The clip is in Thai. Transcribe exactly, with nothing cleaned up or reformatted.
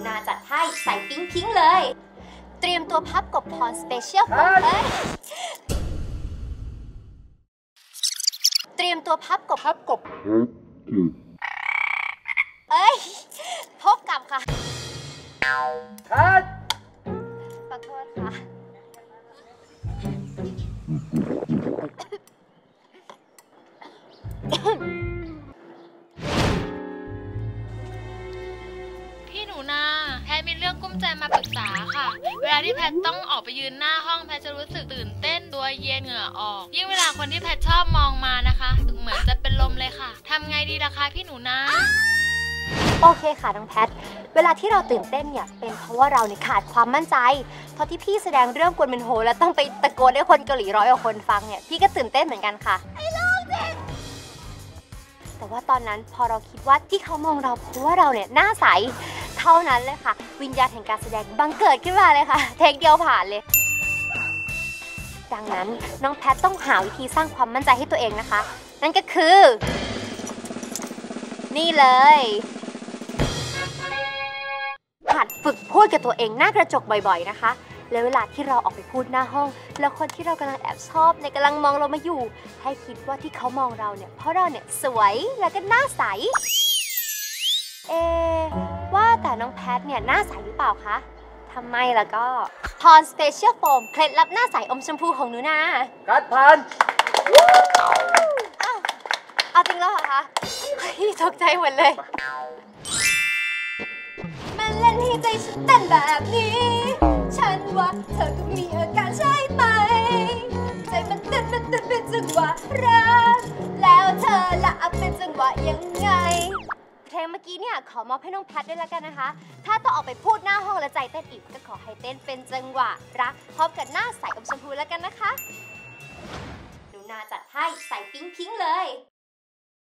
นาจัดให้ใส่ปิ๊งพิงเลยเตรียมตัวพับกบพรสเปเชียลโฟมเลยเตรียมตัวพับกบพับกบเอ้ยพบกับค่ะคัดขอโทษค่ะพี่หนูนาแพทมีเรื่องกุ้มใจมาปรึกษาค่ะเวลาที่แพทต้องออกไปยืนหน้าห้องแพทจะรู้สึกตื่นเต้นตัวเย็นเหงื่อออกยิ่งเวลาคนที่แพทชอบมองมานะคะเหมือนจะเป็นลมเลยค่ะทำไงดีล่ะคะพี่หนูนาโอเคค่ะน้องแพทเวลาที่เราตื่นเต้นเนี่ยเป็นเพราะว่าเราเนี่ยขาดความมั่นใจเพราะที่พี่แสดงเรื่องกวนเมนโฮแล้วต้องไปตะโกนให้คนเกาหลีร้อยกว่าคนฟังเนี่ยพี่ก็ตื่นเต้นเหมือนกันค่ะไอ้ลูกเด็กแต่ว่าตอนนั้นพอเราคิดว่าที่เขามองเราเพราะว่าเราเนี่ยหน้าใสเท่านั้นเลยค่ะวิญญาณแห่งการแสดงบังเกิดขึ้นมาเลยค่ะเทคเดียวผ่านเลยดังนั้นน้องแพทต้องหาวิธีสร้างความมั่นใจให้ตัวเองนะคะนั่นก็คือนี่เลยหัดฝึกพูดกับตัวเองหน้ากระจกบ่อยๆนะคะแล้วเวลาที่เราออกไปพูดหน้าห้องแล้วคนที่เรากำลังแอบชอบในกำลังมองเรามาอยู่ให้คิดว่าที่เขามองเราเนี่ยเพราะเราเนี่ยสวยแล้วก็หน้าใสเอว่าแต่น้องแพทเนี่ยหน้าใสหรือเปล่าคะทำไมล่ะก็พรสเปเชียลโฟมเคล็ดลับหน้าใสอมชมพูของหนูนากัดพันเอาจริงแล้วเหรอคะพี่ตกใจหมดเลยมันเล่นให้ใจฉันเต้นแบบนี้ฉันว่าเธอก็มีอาการใช่ไหมใจมันเต้นมันเต้นเป็นจังหวะรักแล้วเธอละเป็นจังหวะยังไงเพลงเมื่อกี้เนี่ยขอมอบให้น้องแพทด้วยแล้วกันนะคะถ้าต้องออกไปพูดหน้าห้องและใจเต้นอีกก็ขอให้เต้นเป็นจังหวะรักพร้อมกับหน้าใสอมชมพูแล้วกันนะคะหนูนาจัดให้ใส่ปิ๊งพิงเลย